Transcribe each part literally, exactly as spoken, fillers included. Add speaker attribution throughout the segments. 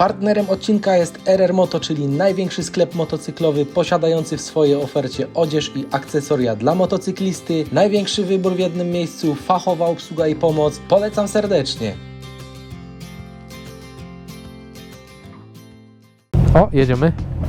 Speaker 1: Partnerem odcinka jest R R Moto, czyli największy sklep motocyklowy posiadający w swojej ofercie odzież i akcesoria dla motocyklisty. Największy wybór w jednym miejscu, fachowa obsługa i pomoc. Polecam serdecznie.
Speaker 2: O, jedziemy.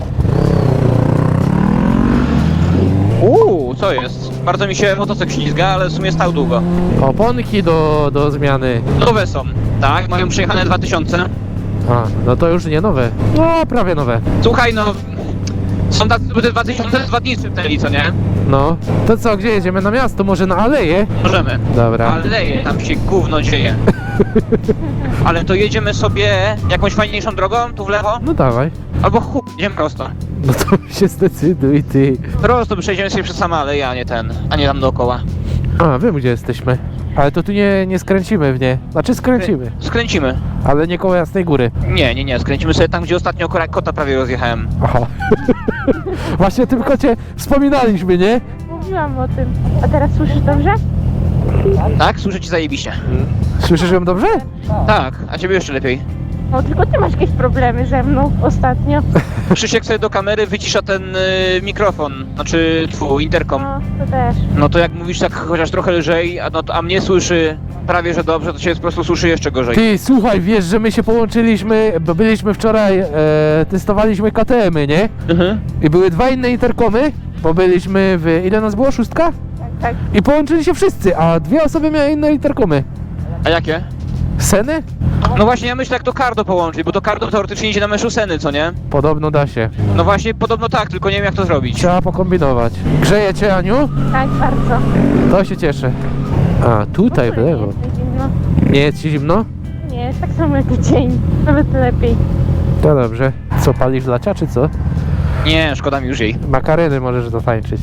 Speaker 3: Uuu, co jest? Bardzo mi się motocykl ślizga, ale w sumie stał długo.
Speaker 2: Oponki do, do zmiany.
Speaker 3: Nowe są, tak? Mają przejechane dwa tysiące.
Speaker 2: A, no to już nie nowe. No, prawie nowe.
Speaker 3: Słuchaj, no... Są tacy, żeby te dwa tysiące dwa dni szybnęli, co nie?
Speaker 2: No. To co, gdzie jedziemy? Na miasto? Może na aleję?
Speaker 3: Możemy.
Speaker 2: Dobra.
Speaker 3: Aleje, tam się gówno dzieje. Ale to jedziemy sobie jakąś fajniejszą drogą, tu w lewo?
Speaker 2: No dawaj.
Speaker 3: Albo chuj, idziemy prosto.
Speaker 2: No to się zdecyduj, ty.
Speaker 3: Prosto przejdziemy sobie przez samą aleję, a nie ten, a nie tam dookoła.
Speaker 2: A, wiem gdzie jesteśmy. Ale to tu nie, nie skręcimy w nie. Znaczy skręcimy,
Speaker 3: Skręcimy.
Speaker 2: ale nie koło Jasnej Góry.
Speaker 3: Nie, nie, nie, skręcimy sobie tam, gdzie ostatnio kora- kota prawie rozjechałem.
Speaker 2: Aha. Właśnie o tym kocie wspominaliśmy, nie?
Speaker 4: Mówiłam o tym. A teraz słyszysz dobrze?
Speaker 3: Tak? Słyszę ci zajebiście.
Speaker 2: Słyszysz ją dobrze?
Speaker 3: Tak, a ciebie jeszcze lepiej.
Speaker 4: No tylko ty masz jakieś problemy ze mną ostatnio.
Speaker 3: Krzysiek sobie do kamery wycisza ten y, mikrofon, znaczy twój interkom.
Speaker 4: No, to też.
Speaker 3: No to jak mówisz tak chociaż trochę lżej, a, no, to- a mnie słyszy prawie że dobrze, to cię po prostu słyszy jeszcze gorzej.
Speaker 2: Ty, słuchaj, wiesz, że my się połączyliśmy, bo byliśmy wczoraj, e, testowaliśmy K T M-y, nie?
Speaker 3: Mhm.
Speaker 2: I były dwa inne interkomy, bo byliśmy w... ile nas było? Szóstka?
Speaker 4: Tak, tak.
Speaker 2: I połączyli się wszyscy, a dwie osoby miały inne interkomy.
Speaker 3: A jakie?
Speaker 2: Seny?
Speaker 3: No właśnie ja myślę jak to Cardo połączyć, bo to Cardo teoretycznie idzie na meszu Seny, co nie?
Speaker 2: Podobno da się.
Speaker 3: No właśnie podobno tak, tylko nie wiem jak to zrobić.
Speaker 2: Trzeba pokombinować. Grzeje cię, Aniu?
Speaker 4: Tak, bardzo.
Speaker 2: To się cieszę. A, tutaj w
Speaker 4: Nie
Speaker 2: lewo.
Speaker 4: jest tak zimno.
Speaker 2: Nie jest ci zimno?
Speaker 4: Nie, jest tak samo jak dzień. Nawet lepiej.
Speaker 2: To dobrze. Co, palisz lacia, czy co?
Speaker 3: Nie, szkoda mi już jej.
Speaker 2: Makareny możesz dotańczyć.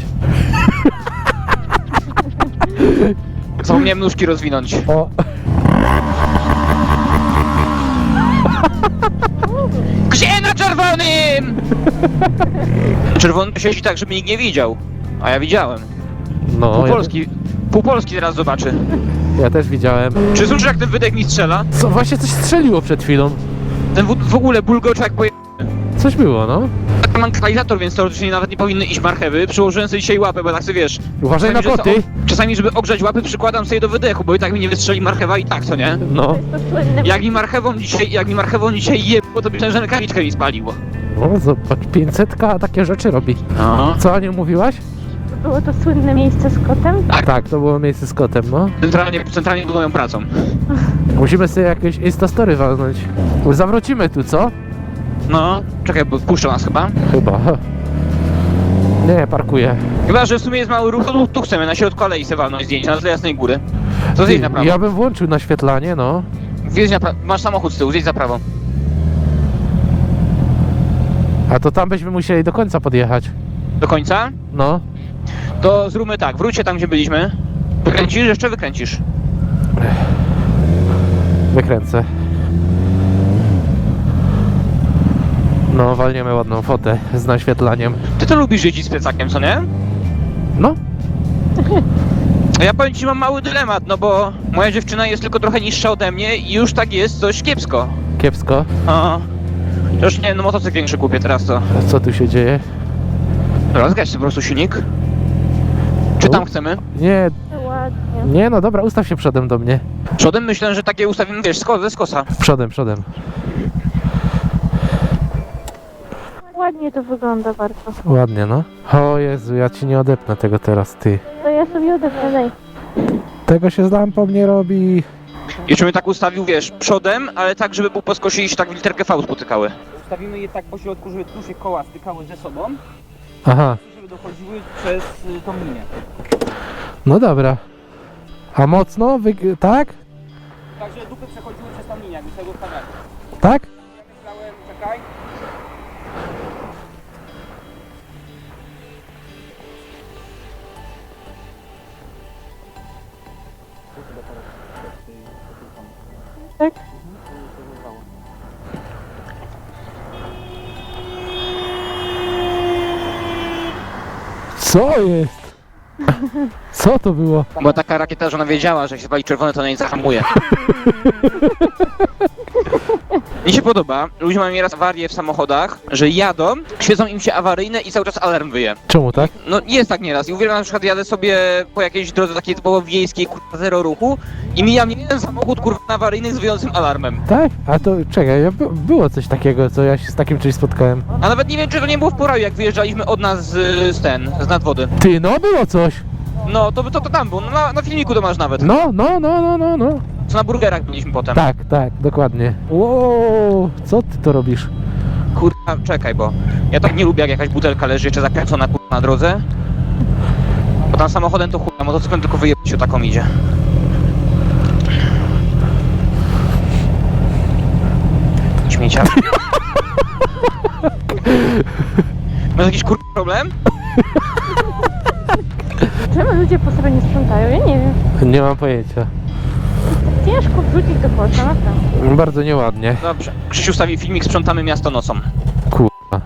Speaker 3: Zapomniałem nóżki rozwinąć.
Speaker 2: O,
Speaker 3: Gdzie na czerwonym? Czerwony siedzi tak, żeby nikt nie widział. A ja widziałem.
Speaker 2: no.
Speaker 3: Pół
Speaker 2: Ja,
Speaker 3: Polski, pół Polski teraz zobaczy.
Speaker 2: ja też widziałem.
Speaker 3: Czy słyszysz jak ten wydech mi strzela?
Speaker 2: Co, właśnie coś strzeliło przed chwilą.
Speaker 3: Ten w, w ogóle bulgocz jak poje...
Speaker 2: Coś było, no.
Speaker 3: Mam katalizator, więc teoretycznie nawet nie powinny iść marchewy. Przyłożyłem sobie dzisiaj łapę, bo tak sobie wiesz.
Speaker 2: Uważaj na
Speaker 3: czasami, że
Speaker 2: koty.
Speaker 3: to- Czasami, żeby ogrzać łapy, przykładam sobie do wydechu, bo i tak mi nie wystrzeli marchewa i tak, co nie?
Speaker 2: No.
Speaker 4: To jest to słynne.
Speaker 3: Jak mi marchewą dzisiaj, jak mi marchewą dzisiaj jebło, to myślałem, że rękawiczkę mi spaliło.
Speaker 2: O, zobacz, pięćsetka takie rzeczy robi.
Speaker 3: Aha.
Speaker 2: Co, Aniu, mówiłaś?
Speaker 4: To było to słynne miejsce z kotem?
Speaker 3: Tak.
Speaker 2: Tak, to było miejsce z kotem, no.
Speaker 3: Centralnie, centralnie pod moją pracą.
Speaker 2: Musimy sobie jakieś Instastory walnąć. Zawrócimy tu, co?
Speaker 3: No, czekaj, bo puszczą nas chyba.
Speaker 2: Chyba. Nie, parkuję.
Speaker 3: Chyba, że w sumie jest mały ruch, to tu, tu chcemy na środku alei se walnąć zdjęcia, na tle Jasnej Góry. To zjedź na prawo.
Speaker 2: Ja bym włączył naświetlanie, no.
Speaker 3: Zjedź na prawo. Masz samochód z tyłu, zjedź za prawo.
Speaker 2: A to tam byśmy musieli do końca podjechać.
Speaker 3: Do końca?
Speaker 2: No.
Speaker 3: To zróbmy tak, wróćcie tam, gdzie byliśmy. Wykręcisz? Jeszcze wykręcisz.
Speaker 2: Wykręcę. No, walniemy ładną fotę z naświetlaniem.
Speaker 3: Ty to lubisz jeździć z plecakiem, co nie?
Speaker 2: No.
Speaker 3: A ja powiem ci, mam mały dylemat, no bo moja dziewczyna jest tylko trochę niższa ode mnie i już tak jest coś kiepsko.
Speaker 2: Kiepsko.
Speaker 3: A, to już nie, no motocykl większy kupię teraz to.
Speaker 2: Co tu się dzieje?
Speaker 3: Rozgaś sobie po prostu silnik. Czy tam
Speaker 2: U.
Speaker 3: chcemy?
Speaker 2: Nie,
Speaker 4: To ładnie.
Speaker 2: nie, no dobra, ustaw się przodem do mnie.
Speaker 3: Przodem myślę, że takie ustawimy, wiesz, sko- ze skosa.
Speaker 2: Przodem, przodem.
Speaker 4: Ładnie to wygląda bardzo.
Speaker 2: Ładnie, no. O Jezu, ja ci nie odepnę tego teraz, ty.
Speaker 4: To ja sobie odepnę, daj.
Speaker 2: Tego się z lampą nie robi.
Speaker 3: Jeszcze bym tak ustawił, wiesz, przodem, ale tak, żeby był po skosie i się tak w literkę V spotykały. Ustawimy je tak po środku, żeby tu się koła stykały ze sobą,
Speaker 2: Aha,
Speaker 3: żeby dochodziły przez y, tą linię.
Speaker 2: no dobra. A mocno? Wy... Tak?
Speaker 3: Tak, że dupy przechodziły przez tą linię, jakby tego ustawiali.
Speaker 2: Tak?
Speaker 3: Ja myślałem, czekaj.
Speaker 4: Tak?
Speaker 2: Co jest? Co to było?
Speaker 3: Była taka rakieta, że ona wiedziała, że jak się pali czerwone, to ona nie zahamuje. Mi się podoba, ludzie mają nieraz awarię w samochodach, że jadą, świecą im się awaryjne i cały czas alarm wyje.
Speaker 2: Czemu tak?
Speaker 3: No jest tak nieraz i uwielbiam, na przykład jadę sobie po jakiejś drodze takiej typowo wiejskiej, kurwa zero ruchu i mija mnie jeden samochód kurwa awaryjny z wyjącym alarmem.
Speaker 2: Tak? A to czekaj, ja, by- było coś takiego, co ja się z takim czymś spotkałem.
Speaker 3: A nawet nie wiem, czy to nie było w Poraju, jak wyjeżdżaliśmy od nas z, z ten, z nadwody.
Speaker 2: Ty, no było coś.
Speaker 3: No, to, to, to tam było, no, na, na filmiku to masz nawet.
Speaker 2: No, no, no, no, no, no.
Speaker 3: Co na burgerach byliśmy potem.
Speaker 2: Tak, tak, dokładnie. Wow, co ty to robisz?
Speaker 3: Kurwa, czekaj, bo ja tak nie lubię, jak jakaś butelka leży jeszcze zakręcona kurwa na drodze. Bo tam samochodem to chuj, a motocyklem tylko wyjebać się taką idzie. Śmiecia. Masz jakiś kurwa problem?
Speaker 4: Czemu ludzie po sobie nie sprzątają? Ja nie wiem.
Speaker 2: Nie mam pojęcia.
Speaker 4: Ciężko wrzucić do kosza, naprawdę.
Speaker 2: Bardzo nieładnie.
Speaker 3: Dobrze. Krzysiu stawi filmik, sprzątamy miasto nocą.
Speaker 2: Kurwa.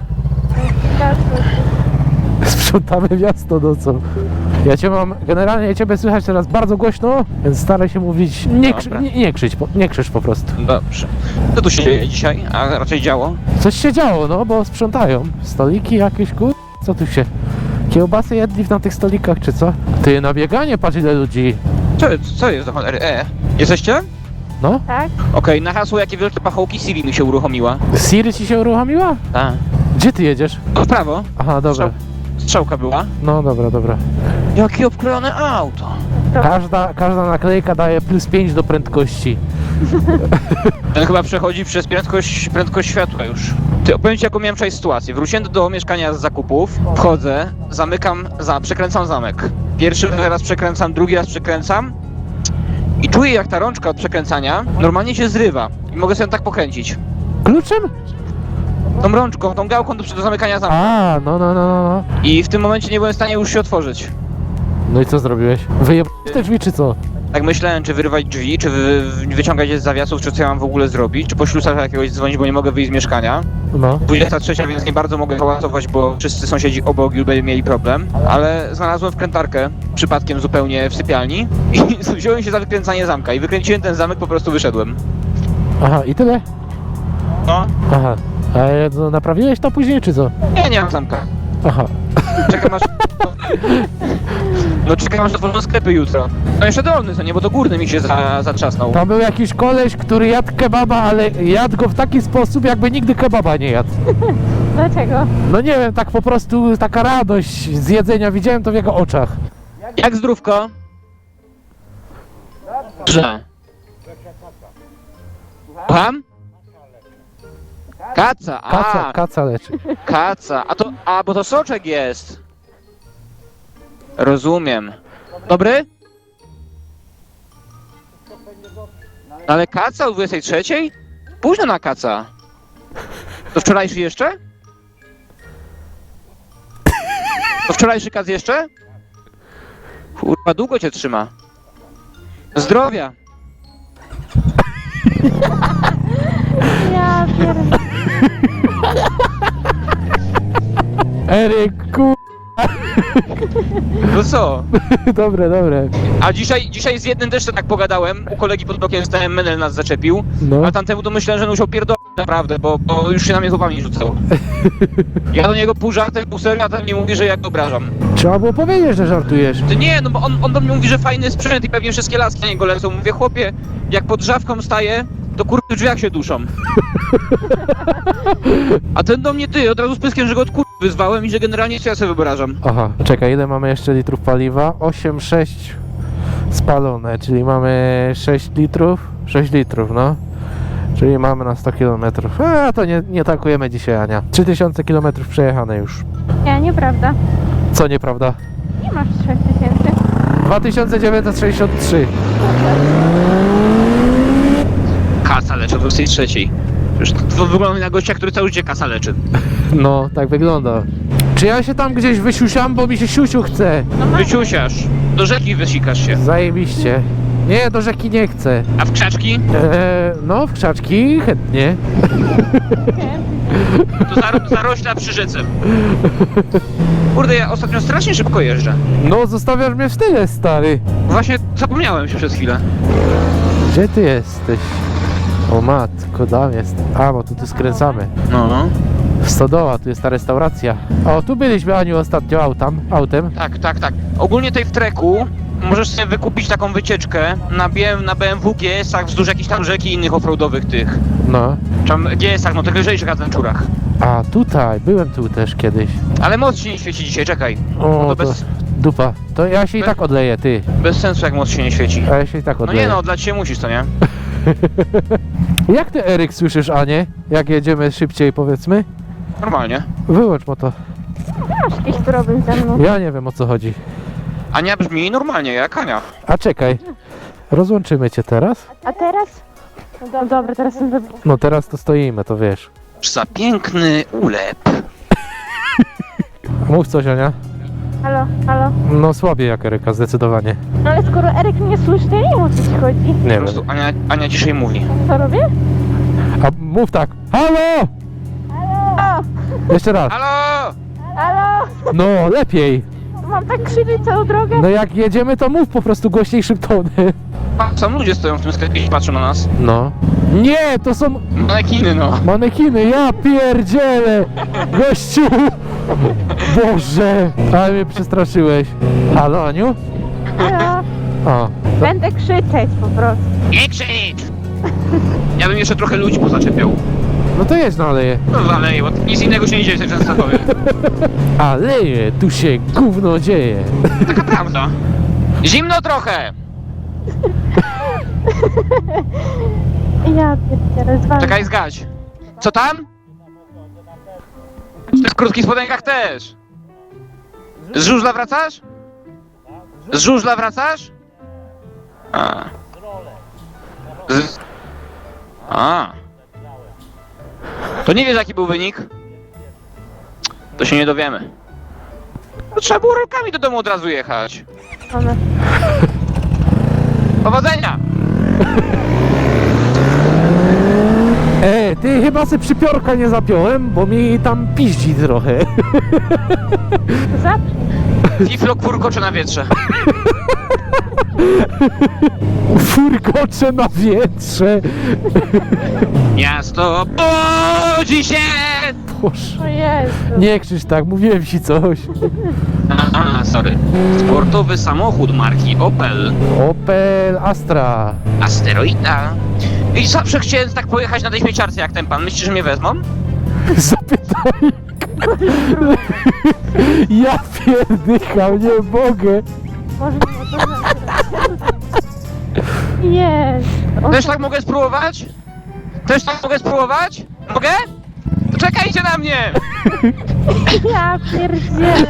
Speaker 2: Sprzątamy miasto nocą. Ja cię mam, generalnie ciebie słychać teraz bardzo głośno, więc staraj się mówić, nie, krzy,
Speaker 3: Dobra.
Speaker 2: nie, nie krzycz, po- nie krzycz po prostu.
Speaker 3: Dobrze. Co tu się dzieje dzisiaj, a raczej działo?
Speaker 2: Coś się działo, no, bo sprzątają. Stoliki jakieś, kur... Co tu się... Kiełbasy jedli na tych stolikach, czy co? Ty, na bieganie, patrz ile ludzi.
Speaker 3: Co, co jest do cholery? E, jesteście?
Speaker 2: No?
Speaker 4: Tak?
Speaker 3: Okej, na hasło jakie wielkie pachołki Siri mi się uruchomiła.
Speaker 2: Siri ci się uruchomiła?
Speaker 3: Tak.
Speaker 2: Gdzie ty jedziesz?
Speaker 3: No w prawo.
Speaker 2: Aha, dobra.
Speaker 3: Strzałka była.
Speaker 2: No, dobra, dobra.
Speaker 3: Jakie obkrojone auto.
Speaker 2: Każda, każda naklejka daje plus pięć do prędkości.
Speaker 3: Ten chyba przechodzi przez prędkość, prędkość światła już. Ty, opowiem ci jaką miałem wczoraj sytuację. Wróciłem do mieszkania z zakupów, wchodzę, zamykam, za, przekręcam zamek. Pierwszy raz przekręcam, drugi raz przekręcam i czuję jak ta rączka od przekręcania normalnie się zrywa i mogę sobie tak pokręcić.
Speaker 2: Kluczem?
Speaker 3: Tą rączką, tą gałką do, do zamykania zamku.
Speaker 2: A, no, no, no, no, no.
Speaker 3: I w tym momencie nie byłem w stanie już się otworzyć.
Speaker 2: No i co zrobiłeś? Wyjebałeś te drzwi, czy co?
Speaker 3: Tak myślałem, czy wyrwać drzwi, czy wy, wyciągać je z zawiasów, czy co ja mam w ogóle zrobić, czy po ślusarza jakiegoś dzwonić, bo nie mogę wyjść z mieszkania.
Speaker 2: No.
Speaker 3: dwudziesta trzecia, więc nie bardzo mogę hałasować, bo wszyscy sąsiedzi obok już by mieli problem. Ale znalazłem wkrętarkę, przypadkiem zupełnie w sypialni i wziąłem się za wykręcanie zamka i wykręciłem ten zamek, po prostu wyszedłem.
Speaker 2: Aha, i tyle?
Speaker 3: No,
Speaker 2: Aha. A no, naprawiłeś to później, czy co?
Speaker 3: nie, nie mam zamka.
Speaker 2: Aha.
Speaker 3: Czekam aż... No czekam aż otworzą sklepy jutro. No jeszcze dolny, to nie, bo to górny mi się za, zatrzasnął.
Speaker 2: Tam był jakiś koleś, który jadł kebaba, ale jadł go w taki sposób, jakby nigdy kebaba nie jadł.
Speaker 4: Dlaczego?
Speaker 2: No nie wiem, tak po prostu taka radość z jedzenia, widziałem to w jego oczach.
Speaker 3: Jak zdrówko? Dobrze. Słucham? Kaca, a,
Speaker 2: Kaca, kaca leczy.
Speaker 3: kaca, a to, a, bo to soczek jest. Rozumiem. Dobry? Ale kaca o dwudziestej trzeciej? Późno na kaca. To wczorajszy jeszcze? To wczorajszy kac jeszcze? Kurwa, długo cię trzyma. Zdrowia.
Speaker 4: Ja pierdolę.
Speaker 2: Eryk, ku...
Speaker 3: No co?
Speaker 2: Dobre, dobre.
Speaker 3: A dzisiaj, dzisiaj z jednym też tak pogadałem, u kolegi pod blokiem stałem, Menel nas zaczepił,
Speaker 2: No.
Speaker 3: a tamtemu to myślałem, że on musiał pierdolić naprawdę, bo, bo już się na mnie złapami rzucał. Ja do niego pół żartem, pół serio, a ten mi mówi, że ja go obrażam.
Speaker 2: Trzeba było powiedzieć, że żartujesz.
Speaker 3: Ty nie, no bo on, on do mnie mówi, że fajny sprzęt i pewnie wszystkie laski na niego lecą. Mówię, chłopie, jak pod drzawką staję, to kurwa w drzwiach się duszą. A ten do mnie, ty, od razu z pyskiem, że go od kurwa wyzwałem i że generalnie co ja sobie wyobrażam.
Speaker 2: Aha, czekaj, ile mamy jeszcze litrów paliwa? osiem, sześć spalone, czyli mamy sześć litrów? sześć litrów, no. Czyli mamy na sto kilometrów. A to nie, nie tankujemy dzisiaj, Ania. trzy tysiące kilometrów przejechane już.
Speaker 4: Ja, nieprawda.
Speaker 2: Co nieprawda?
Speaker 4: Nie masz trzech tysięcy.
Speaker 2: dwa tysiące dziewięćset sześćdziesiąt trzy.
Speaker 3: Kasa leczy o dwudziestej trzeciej. Już to wygląda na gościa, który cały życie kasa leczy.
Speaker 2: No, tak wygląda. Czy ja się tam gdzieś wysiusiam, bo mi się siusiu chce?
Speaker 3: Wyciusiasz, do rzeki wysikasz się.
Speaker 2: Zajebiście. Nie, do rzeki nie chcę.
Speaker 3: A w krzaczki?
Speaker 2: Eee, no, w krzaczki chętnie.
Speaker 3: To zaro zarośla przy rzece. Kurde, ja ostatnio strasznie szybko jeżdżę.
Speaker 2: No, zostawiasz mnie w tyle, stary.
Speaker 3: Właśnie zapomniałem się przez chwilę.
Speaker 2: Gdzie ty jesteś? O matko, tam jest. A, bo tu, tu skręcamy.
Speaker 3: No, no.
Speaker 2: Stodoła, tu jest ta restauracja. O, tu byliśmy, Aniu, ostatnio autem. autem.
Speaker 3: Tak, tak, tak. Ogólnie tutaj w treku możesz sobie wykupić taką wycieczkę na, B M, na B M W G S-ach wzdłuż jakichś tam rzek i innych offroadowych tych.
Speaker 2: No.
Speaker 3: Czy tam G S-ach, no tych lżejszych adventurach.
Speaker 2: A, tutaj, byłem tu też kiedyś.
Speaker 3: Ale moc się nie świeci dzisiaj, czekaj.
Speaker 2: O,
Speaker 3: No to
Speaker 2: to
Speaker 3: bez,
Speaker 2: dupa. To ja się i
Speaker 3: Bez-
Speaker 2: tak odleję, ty.
Speaker 3: bez sensu jak moc się nie świeci.
Speaker 2: A ja się i tak
Speaker 3: No
Speaker 2: odleję.
Speaker 3: nie no, dla ciebie musisz, to nie?
Speaker 2: Jak ty, Eryk, słyszysz Anię? Jak jedziemy szybciej, powiedzmy?
Speaker 3: Normalnie.
Speaker 2: Wyłącz moto.
Speaker 4: Masz jakiś problem ze mną.
Speaker 2: Ja nie wiem, o co chodzi.
Speaker 3: Ania brzmi normalnie, jak Ania.
Speaker 2: A czekaj. Rozłączymy cię teraz?
Speaker 4: A teraz? No do, dobra, teraz jestem wybitny.
Speaker 2: No teraz to stoimy, to wiesz.
Speaker 3: Za piękny ulep.
Speaker 2: Mów coś, Ania.
Speaker 4: Halo, halo.
Speaker 2: No słabiej jak Eryka, zdecydowanie.
Speaker 4: No ale skoro Eryk mnie słyszy, to ja nie wiem, o co ci chodzi.
Speaker 2: Nie
Speaker 3: Po
Speaker 2: wiem.
Speaker 3: prostu Ania, Ania dzisiaj mówi.
Speaker 4: Co robię?
Speaker 2: A mów tak. Halo!
Speaker 4: O!
Speaker 2: Jeszcze raz.
Speaker 3: Halo!
Speaker 4: Halo!
Speaker 2: No, lepiej.
Speaker 4: Mam tak krzyczeć całą drogę?
Speaker 2: No jak jedziemy, to mów po prostu głośniejszym tonem.
Speaker 3: Sam ludzie stoją w tym sklepie i patrzą na nas.
Speaker 2: No. Nie, to są
Speaker 3: Manekiny, no.
Speaker 2: manekiny, ja pierdzielę! Gościu! Boże! Ale mnie przestraszyłeś. Halo, Aniu?
Speaker 4: Halo!
Speaker 2: O.
Speaker 4: Będę krzyczeć po prostu.
Speaker 3: Nie krzycz! Ja bym jeszcze trochę ludzi pozaczepiał.
Speaker 2: No to jedź na aleję.
Speaker 3: No zaleję, bo nic innego się nie dzieje w tej Częstochowie.
Speaker 2: Aleje, tu się gówno dzieje.
Speaker 3: Taka prawda. Zimno trochę!
Speaker 4: Ja pierdzielę, zwalniam.
Speaker 3: Czekaj, zgać. Co tam? Ty w krótkich spodenkach też. Z żużla wracasz? Z żużla wracasz? A. Z... A. To nie wiesz jaki był wynik? To się nie dowiemy. To trzeba było rolkami do domu od razu jechać.
Speaker 4: One.
Speaker 3: Powodzenia!
Speaker 2: E, ty chyba se przypiorka nie zapiąłem, bo mi tam piździ trochę.
Speaker 4: Zacznij.
Speaker 3: Fiflok furkocze na wietrze.
Speaker 2: Furkocze na wietrze.
Speaker 3: Miasto budzi się!
Speaker 2: Boże.
Speaker 4: O Jezu.
Speaker 2: Nie krzycz tak, mówiłem ci coś.
Speaker 3: Aha, sorry. Sportowy samochód marki Opel.
Speaker 2: Opel Astra.
Speaker 3: Asteroida. I zawsze chciałem tak pojechać na tej śmieciarce jak ten pan. Myślisz, że mnie wezmą?
Speaker 2: Zapytaj. Ja pierdycham, nie mogę.
Speaker 4: Może nie to Jezu. O,
Speaker 3: Też tak mogę spróbować? Też tak mogę spróbować? Mogę? To czekajcie na mnie!
Speaker 4: Ja pierdzielę.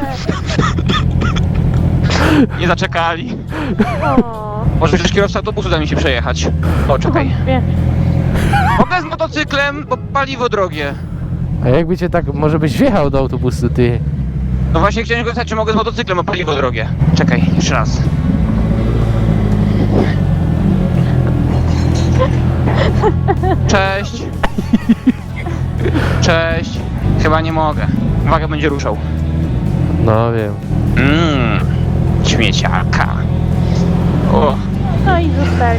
Speaker 3: Nie zaczekali.
Speaker 4: O.
Speaker 3: Może przecież kierowca autobusu da mi się przejechać. O, czekaj.
Speaker 4: Wie.
Speaker 3: Mogę z motocyklem, bo paliwo drogie.
Speaker 2: A jakby cię tak, może byś wjechał do autobusu, ty.
Speaker 3: No właśnie chciałem go zapytać, czy mogę z motocyklem, bo paliwo drogie. Czekaj, jeszcze raz. Cześć. Cześć. Chyba nie mogę. Uwaga, będzie ruszał.
Speaker 2: No wiem.
Speaker 3: Mmm. Śmieciarka. O.
Speaker 4: No i zostali.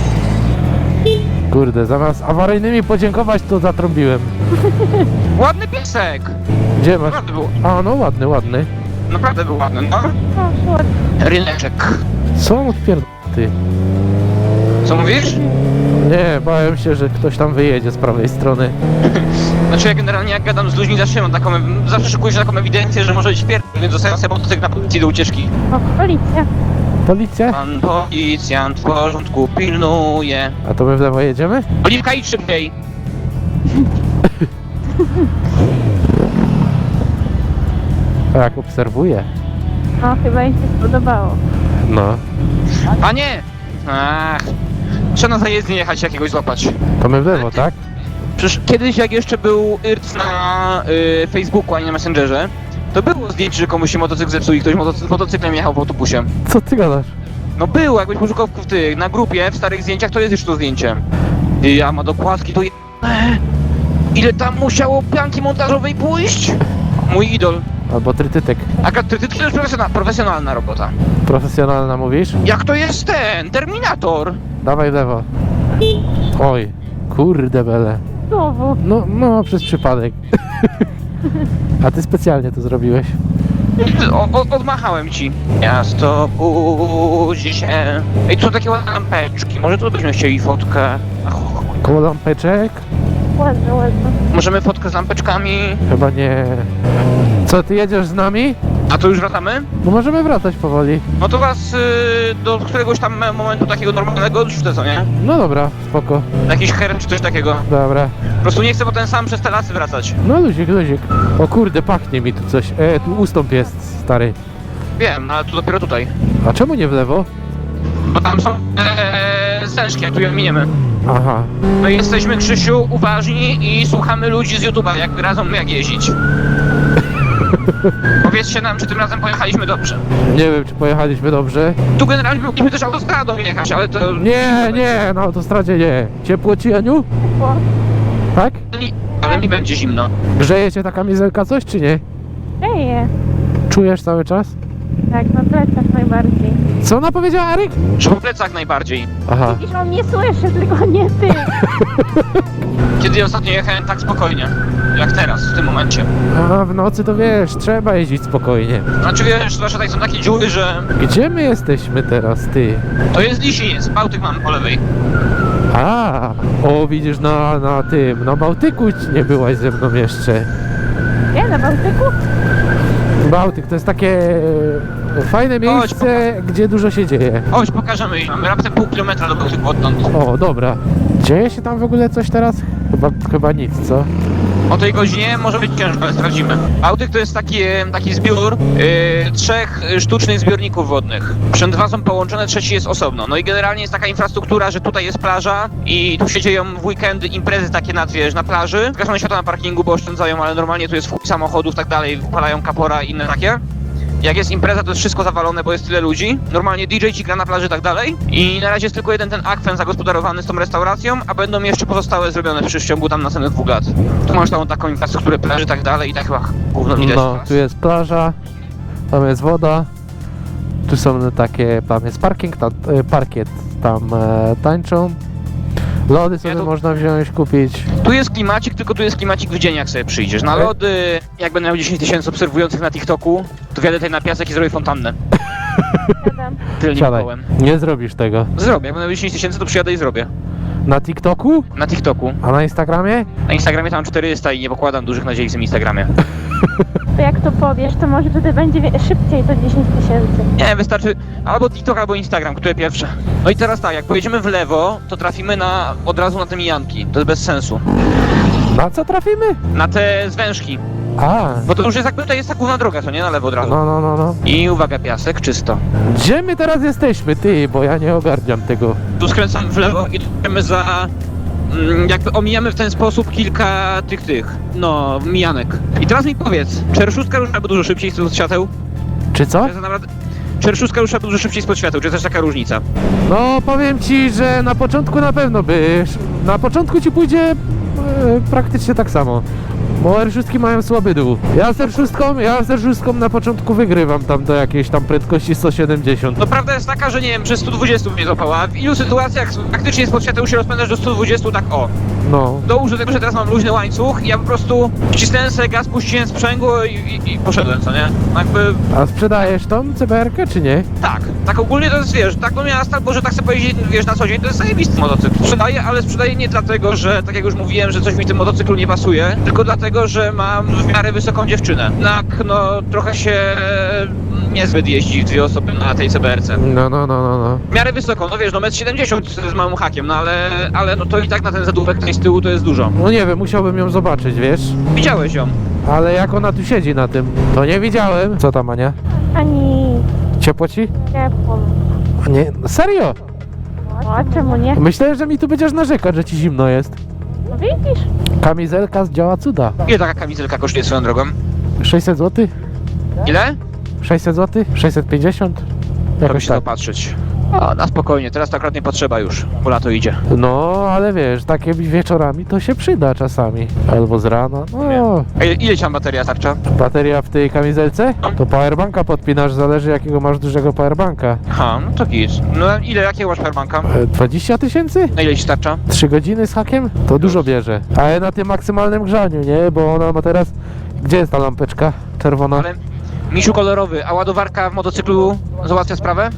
Speaker 2: Kurde, zamiast awaryjnymi podziękować, to zatrąbiłem.
Speaker 3: Ładny piesek.
Speaker 2: Gdzie masz?
Speaker 3: Naprawdę był,
Speaker 2: A, no ładny, ładny.
Speaker 3: naprawdę był ładny, no.
Speaker 4: O, ładnie.
Speaker 3: Ryneczek.
Speaker 2: Co on odpierd... ty?
Speaker 3: Co mówisz?
Speaker 2: Nie, bałem się, że ktoś tam wyjedzie z prawej strony.
Speaker 3: Znaczy ja generalnie jak gadam z ludźmi zawsze mam taką, zawsze szykuję się taką ewidencję, że może być pier... więc zostawiam sobie motocykl na policji do ucieczki.
Speaker 4: O, policja.
Speaker 2: Policja?
Speaker 3: Pan policjant w porządku pilnuje.
Speaker 2: A to my w lewo jedziemy?
Speaker 3: Oliwka, idź szybciej.
Speaker 2: Tak, obserwuję.
Speaker 4: O, chyba im się spodobało.
Speaker 2: No.
Speaker 3: Panie! Ach, trzeba na zajezdnię jechać jakiegoś złapać.
Speaker 2: To my w lewo, tak?
Speaker 3: Przecież kiedyś jak jeszcze był I R C na y, Facebooku, a nie na Messengerze, to było zdjęcie, że komuś się motocykl zepsuł i ktoś motocy- motocyklem jechał w autobusie.
Speaker 2: Co ty gadasz?
Speaker 3: No było, jakbyś poszukał w tych, na grupie, w starych zdjęciach, to jest już to zdjęcie. I ja ma dokładki, to je... Ile tam musiało pianki montażowej pójść? Mój idol.
Speaker 2: Albo trytytek.
Speaker 3: A ty, ty, to jest profesjonalna, profesjonalna robota.
Speaker 2: Profesjonalna mówisz?
Speaker 3: Jak to jest ten? Terminator!
Speaker 2: Dawaj w lewo. Oj, Kurde bele.
Speaker 4: Znowu.
Speaker 2: No, no, przez przypadek. A ty specjalnie to zrobiłeś.
Speaker 3: O, o, odmachałem ci. Miasto budzi się. Ej, tu są takie ładne lampeczki. Może tu byśmy chcieli fotkę. Ach,
Speaker 2: Koło lampeczek?
Speaker 4: Ładne, ładne.
Speaker 3: możemy fotkę z lampeczkami?
Speaker 2: Chyba nie. Co, ty jedziesz z nami?
Speaker 3: A to już wracamy?
Speaker 2: No możemy wracać powoli.
Speaker 3: No to was y, do któregoś tam momentu takiego normalnego odrzucę, co nie?
Speaker 2: No dobra, spoko.
Speaker 3: Jakiś her czy coś takiego.
Speaker 2: Dobra.
Speaker 3: Po prostu nie chcę potem sam przez te lasy wracać.
Speaker 2: No luzik, luzik. O kurde, pachnie mi tu coś. E, tu ustąp jest, stary.
Speaker 3: Wiem, ale tu dopiero tutaj.
Speaker 2: A czemu nie w lewo?
Speaker 3: Bo tam są ee, zężki, jak tu je miniemy.
Speaker 2: Aha.
Speaker 3: My jesteśmy, Krzysiu, uważni i słuchamy ludzi z YouTube'a, jak radzą jak jeździć. Powiedzcie nam, czy tym razem pojechaliśmy dobrze.
Speaker 2: Nie wiem, czy pojechaliśmy dobrze.
Speaker 3: Tu generalnie mogliśmy też autostradą jechać, ale to...
Speaker 2: Nie, nie, na autostradzie nie. Ciepło ci, Aniu?
Speaker 4: Ciepło.
Speaker 2: Tak?
Speaker 3: Ale mi będzie zimno.
Speaker 2: Grzeje cię ta kamizelka coś, czy nie?
Speaker 4: Dzieje.
Speaker 2: Czujesz cały czas?
Speaker 4: Tak, na plecach najbardziej.
Speaker 2: Co ona powiedziała, Aryk?
Speaker 3: Że po plecach najbardziej.
Speaker 2: Aha.
Speaker 4: Widzisz, on nie słyszy, tylko nie ty.
Speaker 3: Kiedy ostatnio jechałem tak spokojnie, jak teraz, w tym momencie.
Speaker 2: A w nocy to wiesz, trzeba jeździć spokojnie.
Speaker 3: Znaczy wiesz, zwłaszcza tutaj są takie dziury, że...
Speaker 2: Gdzie my jesteśmy teraz, ty?
Speaker 3: To jest Lisiniec, Bałtyk mam po lewej.
Speaker 2: A, o widzisz, na, na tym, na Bałtyku nie byłaś ze mną jeszcze.
Speaker 4: Nie, na Bałtyku?
Speaker 2: Bałtyk to jest takie e, fajne miejsce, gdzie dużo się dzieje.
Speaker 3: Chodź, pokażemy. Mamy raptem pół kilometra do Bałtyku odtąd.
Speaker 2: O, dobra. Dzieje się tam w ogóle coś teraz? Chyba, chyba nic, co?
Speaker 3: O tej godzinie może być ciężko, ale sprawdzimy. Bałtyk to jest taki, e, taki zbiór e, trzech e, sztucznych zbiorników wodnych. Przed dwa są połączone, trzeci jest osobno. No i generalnie jest taka infrastruktura, że tutaj jest plaża i tu się dzieją w weekendy imprezy takie na, wiesz, na plaży. Zgaszone światła na parkingu, bo oszczędzają, ale normalnie tu jest chuj samochodów, tak dalej, wypalają kapora i inne takie. Jak jest impreza, to jest wszystko zawalone, bo jest tyle ludzi. Normalnie D J ci gra na plaży i tak dalej. I na razie jest tylko jeden ten akwen zagospodarowany z tą restauracją, a będą jeszcze pozostałe zrobione w przeciągu tam następnych dwóch lat. Tu masz tam taką infrastrukturę plaży i tak dalej i tak chyba gówno widać
Speaker 2: No,
Speaker 3: teraz.
Speaker 2: tu jest plaża, tam jest woda, tu są takie, tam jest parking, tam, e, parkiet, tam e, tańczą. Lody sobie
Speaker 3: Ja tu-
Speaker 2: można wziąć, kupić.
Speaker 3: Tu jest klimacik, tylko tu jest klimacik w dzień, jak sobie przyjdziesz. Na
Speaker 2: Okej.
Speaker 3: lody, jak będę miał dziesięć tysięcy obserwujących na TikToku, to wjadę tutaj na piasek i zrobię fontannę.
Speaker 4: Siadam.
Speaker 3: Tylnym
Speaker 2: Siadaj,
Speaker 3: kołem.
Speaker 2: nie zrobisz tego.
Speaker 3: Zrobię, jak będę miał dziesięć tysięcy, to przyjadę i zrobię.
Speaker 2: Na TikToku?
Speaker 3: Na TikToku.
Speaker 2: A na Instagramie?
Speaker 3: Na Instagramie tam czterysta i nie pokładam dużych nadziei w tym Instagramie.
Speaker 4: To jak to powiesz, to może wtedy będzie wie- szybciej to dziesięć tysięcy.
Speaker 3: Nie, wystarczy albo TikTok, albo Instagram, które pierwsze. No i teraz tak, jak pojedziemy w lewo, to trafimy na od razu na te mijanki. To jest bez sensu.
Speaker 2: Na co trafimy?
Speaker 3: Na te zwężki.
Speaker 2: A,
Speaker 3: Bo to już jest jakby to jest ta główna droga, to nie na lewo od razu.
Speaker 2: no, no, no, no.
Speaker 3: I uwaga, piasek, czysto.
Speaker 2: Gdzie my teraz jesteśmy, ty? Bo ja nie ogarniam tego.
Speaker 3: Tu skręcamy w lewo i idziemy za... mm, Jakby omijamy w ten sposób kilka tych, tych, no, mijanek. I teraz mi powiedz, czy R szóstka rusza dużo szybciej spod świateł?
Speaker 2: Czy co?
Speaker 3: To jest naprawdę... Czy R szóstka rusza dużo szybciej spod świateł, czy jest też taka różnica?
Speaker 2: No, powiem ci, że na początku na pewno by. Na początku ci pójdzie e, praktycznie tak samo. Bo R szóstki mają słaby dół. Ja z R szóstką, ja z R szóstką na początku wygrywam tam do jakiejś tam prędkości sto siedemdziesiąt.
Speaker 3: No prawda jest taka, że nie wiem, przez sto dwadzieścia mnie złapała. A w ilu sytuacjach faktycznie spod świateł się rozpędzasz do sto dwadzieścia, tak o.
Speaker 2: No.
Speaker 3: Dołóż do tego, że teraz mam luźny łańcuch i ja po prostu wcisnąłem sobie gaz, puściłem sprzęgło i, i, i poszedłem, co nie? Jakby
Speaker 2: A sprzedajesz tą C B R-kę czy nie?
Speaker 3: tak, tak ogólnie to jest, wiesz, tak do miasta, albo że tak sobie powiedzieć, wiesz, na co dzień, to jest zajebisty motocykl. Sprzedaję, ale sprzedaję nie dlatego, że, tak jak już mówiłem, że coś mi w tym motocyklu nie pasuje, tylko dlatego, że mam w miarę wysoką dziewczynę. Jednak, no, trochę się e, niezbyt jeździ w dwie osoby na tej C B R-ce.
Speaker 2: No, no, no, no, no.
Speaker 3: W miarę wysoko, no wiesz, no metr siedemdziesiąt z małym hakiem, no ale, ale no to i tak na ten zadupek tutaj z tyłu to jest dużo.
Speaker 2: No nie wiem, musiałbym ją zobaczyć, wiesz?
Speaker 3: Widziałeś ją?
Speaker 2: Ale jak ona tu siedzi na tym, to nie widziałem. Co tam, Ania?
Speaker 4: Ani
Speaker 2: Ciepło ci?
Speaker 4: ciepło.
Speaker 2: A nie, serio?
Speaker 4: O, czemu nie?
Speaker 2: Myślałem, że mi tu będziesz narzekać, że ci zimno jest.
Speaker 4: No widzisz?
Speaker 2: Kamizelka zdziała cuda.
Speaker 3: Ile taka kamizelka kosztuje swoją drogą?
Speaker 2: sześćset złotych?
Speaker 3: Ile?
Speaker 2: sześćset złotych? sześćset pięćdziesiąt?
Speaker 3: Robi
Speaker 2: Jakoś
Speaker 3: się
Speaker 2: tak.
Speaker 3: dopatrzeć. A, na spokojnie, teraz to akurat nie potrzeba już, bo lato idzie.
Speaker 2: No, ale wiesz, takie wieczorami to się przyda czasami. Albo z rana, no.
Speaker 3: A ile, ile ci tam bateria starcza?
Speaker 2: Bateria w tej kamizelce? To powerbanka podpinasz, zależy jakiego masz dużego powerbanka.
Speaker 3: Aha, no to git. No ile, jakiego masz powerbanka?
Speaker 2: E, dwadzieścia tysięcy?
Speaker 3: Na ile ci starcza?
Speaker 2: trzy godziny z hakiem? To dużo bierze. Ale na tym maksymalnym grzaniu, nie? Bo ona ma teraz... Gdzie jest ta lampeczka czerwona?
Speaker 3: Ale misiu kolorowy, a ładowarka w motocyklu załatwia sprawę?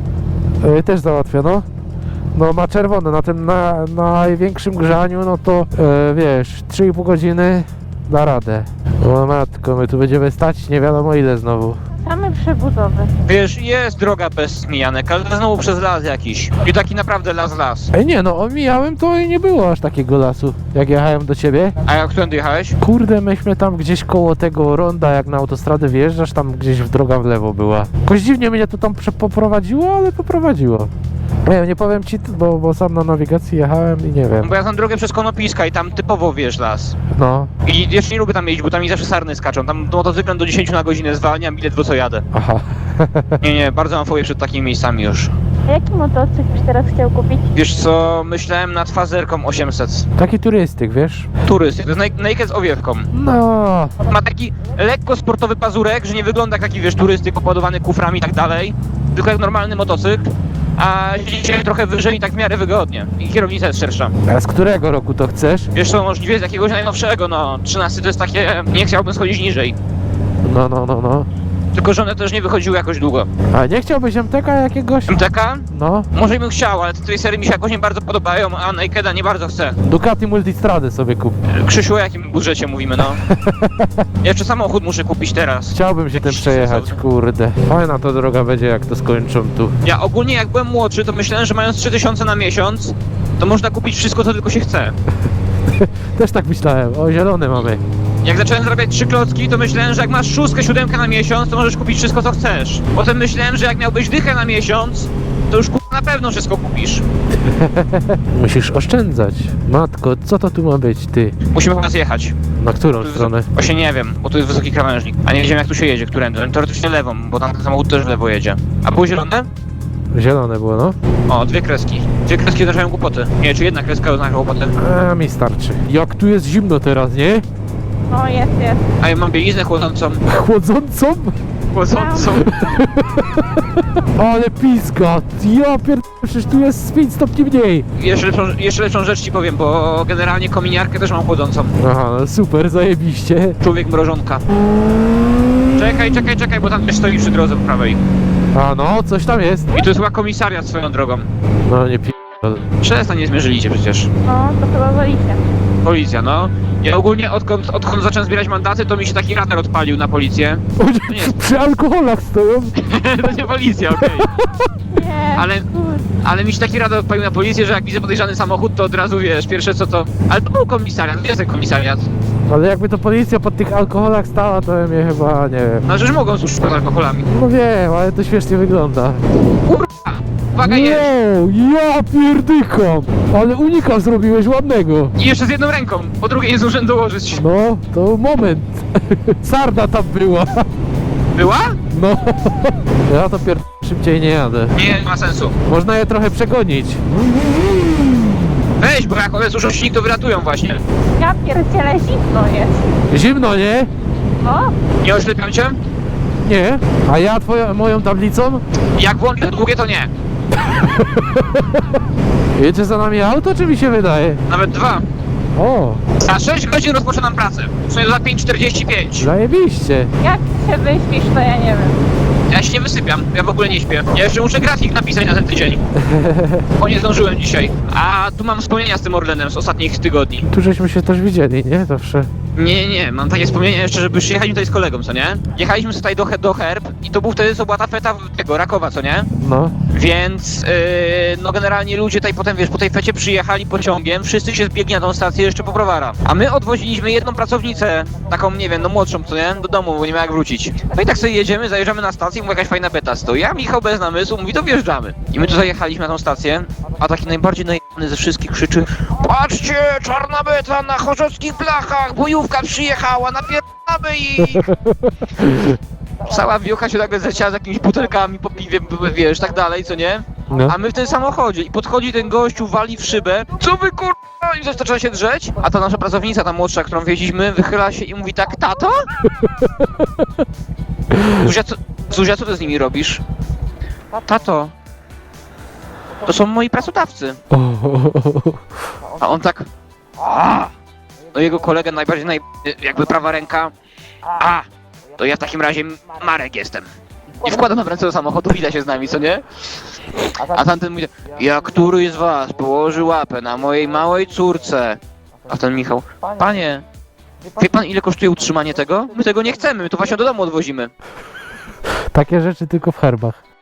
Speaker 2: E, też załatwiono. No ma czerwone, na tym na, na największym grzaniu, no to e, wiesz, trzy i pół godziny da radę. O matko, my tu będziemy stać nie wiadomo ile znowu.
Speaker 4: Same przebudowy.
Speaker 3: Wiesz, jest droga bez mijanek, ale znowu przez las jakiś. I taki naprawdę las, las.
Speaker 2: Ej nie no, omijałem to i nie było aż takiego lasu, jak jechałem do ciebie.
Speaker 3: A jak którędy jechałeś?
Speaker 2: Kurde, myśmy tam gdzieś koło tego ronda, jak na autostradę wjeżdżasz, tam gdzieś w droga w lewo była. Jakoś dziwnie mnie to tam prze- poprowadziło, ale poprowadziło. Nie wiem, nie powiem ci, bo, bo sam na nawigacji jechałem i nie wiem.
Speaker 3: Bo ja znam drogę przez Konopiska i tam typowo wiesz las.
Speaker 2: No,
Speaker 3: I jeszcze nie lubię tam jeździć, bo tam mi zawsze sarny skaczą. Tam motocyklem do dziesięciu na godzinę zwalniam, bilet w co jadę.
Speaker 2: aha.
Speaker 3: Nie, nie, bardzo mam fobię przed takimi miejscami już.
Speaker 4: A jaki motocykl byś teraz chciał kupić?
Speaker 3: Wiesz co, myślałem nad fazerką osiemset.
Speaker 2: Taki turystyk, wiesz?
Speaker 3: Turyst, to jest naj- naked z owiewką.
Speaker 2: No,
Speaker 3: Ma taki lekko sportowy pazurek, że nie wygląda jak taki, wiesz, turystyk opładowany kuframi i tak dalej, tylko jak normalny motocykl, a siedzi się trochę wyżej i tak w miarę wygodnie. I kierownica jest szersza.
Speaker 2: a z którego roku to chcesz?
Speaker 3: Wiesz co, możliwie z jakiegoś najnowszego, no, trzynasty to jest takie, nie chciałbym schodzić niżej.
Speaker 2: No, no, no, no.
Speaker 3: Tylko że one też nie wychodziły jakoś długo.
Speaker 2: A nie chciałbyś M T K jakiegoś?
Speaker 3: M T K?
Speaker 2: No,
Speaker 3: Może bym chciał, ale te tej serii mi się jakoś nie bardzo podobają, a Nakeda nie bardzo chcę.
Speaker 2: Ducati Multistrady sobie kup.
Speaker 3: Krzysiu, o jakim budżecie mówimy, no? Jeszcze samochód muszę kupić teraz.
Speaker 2: Chciałbym się tym przejechać, kurde. Fajna to droga będzie, jak to skończą tu.
Speaker 3: Ja ogólnie jak byłem młodszy, to myślałem, że mając trzy tysiące na miesiąc, to można kupić wszystko, co tylko się chce.
Speaker 2: Też tak myślałem. O, zielony mamy.
Speaker 3: Jak zacząłem zarabiać trzy klocki, to myślałem, że jak masz szóstkę, siódemkę na miesiąc, to możesz kupić wszystko, co chcesz. Potem myślałem, że jak miałbyś dychę na miesiąc, to już na pewno wszystko kupisz.
Speaker 2: Musisz oszczędzać. Matko, co to tu ma być, ty?
Speaker 3: Musimy chyba zjechać.
Speaker 2: Na którą stronę?
Speaker 3: Właśnie nie wiem, bo tu jest wysoki krawężnik. A nie wiedziałem, jak tu się jedzie, którędy. Teoretycznie lewą, bo tam ten samochód też w lewo jedzie. A było zielone?
Speaker 2: Zielone było, no.
Speaker 3: O, dwie kreski. Dwie kreski oznaczają kłopoty. Nie, czy jedna kreska oznacza kłopoty.
Speaker 2: A mi starczy. Jak tu jest zimno teraz, nie?
Speaker 4: No jest, jest.
Speaker 3: A ja mam bieliznę chłodzącą.
Speaker 2: Chłodzącą?
Speaker 3: Chłodzącą.
Speaker 2: Ale pizga. Ja pierd... przecież tu jest z pięć stopni mniej.
Speaker 3: Jeszcze lepszą, jeszcze lepszą rzecz ci powiem, bo generalnie kominiarkę też mam chłodzącą.
Speaker 2: Aha, no super, zajebiście.
Speaker 3: Człowiek mrożonka. Czekaj, czekaj, czekaj, bo tam też stoi przy drodze po prawej.
Speaker 2: A no, coś tam jest.
Speaker 3: I to jest chyba komisariat swoją drogą.
Speaker 2: No nie pi...
Speaker 3: Przestań, nie zmierzyli cię przecież.
Speaker 4: No, to chyba policja.
Speaker 3: Policja, no. Ja ogólnie odkąd, odkąd zacząłem zbierać mandaty, to mi się taki radar odpalił na policję. To nie jest,
Speaker 2: Przy alkoholach stoją.
Speaker 3: to nie policja, okej.
Speaker 4: Nie,
Speaker 3: Ale-
Speaker 4: kurde.
Speaker 3: Ale mi się taki radar odpalił na policję, że jak widzę podejrzany samochód, to od razu wiesz, pierwsze co to... Ale to był komisariat, to jest ten komisariat.
Speaker 2: Ale jakby to policja pod tych alkoholach stała, to ja mnie chyba, nie wiem.
Speaker 3: No, że mogą służyć pod alkoholami.
Speaker 2: No wiem, ale to śmiesznie wygląda.
Speaker 3: Uwaga, jest!
Speaker 2: Wow, ja pierdykam! Ale unika zrobiłeś ładnego.
Speaker 3: I jeszcze z jedną ręką, po drugiej nie zdążyłem dołożyć.
Speaker 2: No, to moment. Sarda tam była.
Speaker 3: Była?
Speaker 2: No. Ja to pier... szybciej nie jadę.
Speaker 3: Nie, nie ma sensu.
Speaker 2: Można je trochę przegonić.
Speaker 3: Weź, bo jak one słyszą silnik, to wyratują właśnie.
Speaker 4: Ja pierdzielę, zimno jest.
Speaker 2: Zimno, nie?
Speaker 4: No,
Speaker 3: Nie oślepiam cię?
Speaker 2: Nie. A ja twoją, moją tablicą?
Speaker 3: Jak włączę długie, to nie.
Speaker 2: Jedzie za nami auto, czy mi się wydaje?
Speaker 3: Nawet dwa.
Speaker 2: O,
Speaker 3: Za sześć godzin rozpoczynam pracę. W sumie za pięć czterdzieści pięć.
Speaker 2: zajebiście.
Speaker 4: jak się wyśpisz, to ja nie wiem.
Speaker 3: Ja się nie wysypiam, ja w ogóle nie śpię. Ja jeszcze muszę grafik napisać na ten tydzień. Bo nie zdążyłem dzisiaj. A tu mam wspomnienia z tym Orlenem z ostatnich tygodni.
Speaker 2: Tu żeśmy się też widzieli, nie? Zawsze.
Speaker 3: Nie, nie, nie, mam takie wspomnienia jeszcze, że już jechaliśmy tutaj z kolegą, co nie? Jechaliśmy tutaj do, He- do Herb i to był wtedy, co była ta feta tego, Rakowa, co nie?
Speaker 2: No.
Speaker 3: Więc, yy, no generalnie ludzie tutaj potem, wiesz, po tej fecie przyjechali pociągiem, wszyscy się zbiegli na tą stację jeszcze po browara. A my odwoziliśmy jedną pracownicę, taką, nie wiem, no młodszą, co nie? Do domu, bo nie ma jak wrócić. No i tak sobie jedziemy, zajeżdżamy na stację, mówi jakaś fajna beta stoi. Ja, Michał bez namysłu, mówi, to wjeżdżamy. I my tu zajechaliśmy na tą stację, a taki najbardziej najebany ze wszystkich krzyczy: patrzcie, czarna beta na chorzockich blachach, bojówka przyjechała, napierdamy ich! Cała wiocha się nagle zleciała z jakimiś butelkami po piwie, wiesz, tak dalej, co nie?
Speaker 2: No.
Speaker 3: A my w tym samochodzie i podchodzi ten gościu, wali w szybę. Co wy kurwa? I zaczyna się drzeć. A ta nasza pracownica, ta młodsza, którą wieźliśmy, wychyla się i mówi tak, tato? Zuzia, co, Zuzia, co ty z nimi robisz? Tato, to są moi pracodawcy. A on tak... A! No jego kolega najbardziej, naj, jakby prawa ręka. A! To ja w takim razie Marek jestem. I wkładam na ręce do samochodu, wita się z nami, co nie? A tamten mówi, jak któryś z was położy łapę na mojej małej córce? A ten Michał, panie, wie pan ile kosztuje utrzymanie tego? My tego nie chcemy, my to właśnie do domu odwozimy.
Speaker 2: Takie rzeczy tylko w herbach.